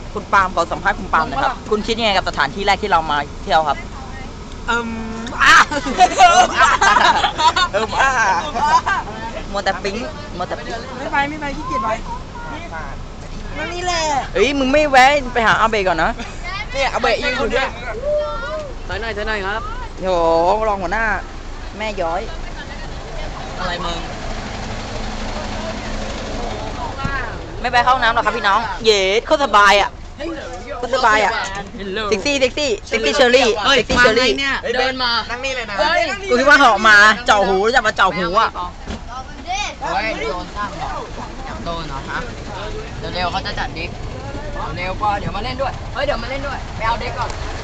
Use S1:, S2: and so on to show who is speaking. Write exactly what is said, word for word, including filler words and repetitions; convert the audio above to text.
S1: คุณปาล์มขอสัมภาษณ์คุณปาล์มหนะครับคุณคิดยังไงกับสถานที่แรกที่เรามาเที่ยวครับ
S2: เอิ่มอ่ะ
S1: เอิ่มอ่ะมัวแต่ปิ๊งมัวแต่ปิ๊ง
S2: ไม่ไปไม่ไปขี้เกียจไปนั่นนี่แหละ
S1: เอ้ยมึงไม่แวะไปหาอาเบะก่อนนะ
S2: เนี่ยอาเบะยิงอยู่เนี่ย
S3: ใส่หน่อยใส่หน่อยครับ
S1: โหรองหัวหน้าแม่ย้อย
S3: อะไรมึง
S1: ไม่ไปเข้าห้องน้ำหรอกครับพี่น้องเย็ดโคตรสบายอ่ะโคตรสบายอ่ะเซ็กซี่เซ็กซี่เซ็กซี่เชอรี่เซ็กซี่เชอรี่
S3: เนี่ยเดินมา
S2: นั่งนี่เลยนะ
S1: กูคิดว่าเหาะมาเจาะหูจะมาเจาะหูอ่ะ
S3: เฮ้ยโดนสร้างหรอโดนเหรอฮะเร็วๆเขาจะจัดดิ๊กเร็วก็เดี๋ยวมาเล่นด้วยเฮ้ยเดี๋ยวมาเล่นด้วยไปเอาเด็กก่อน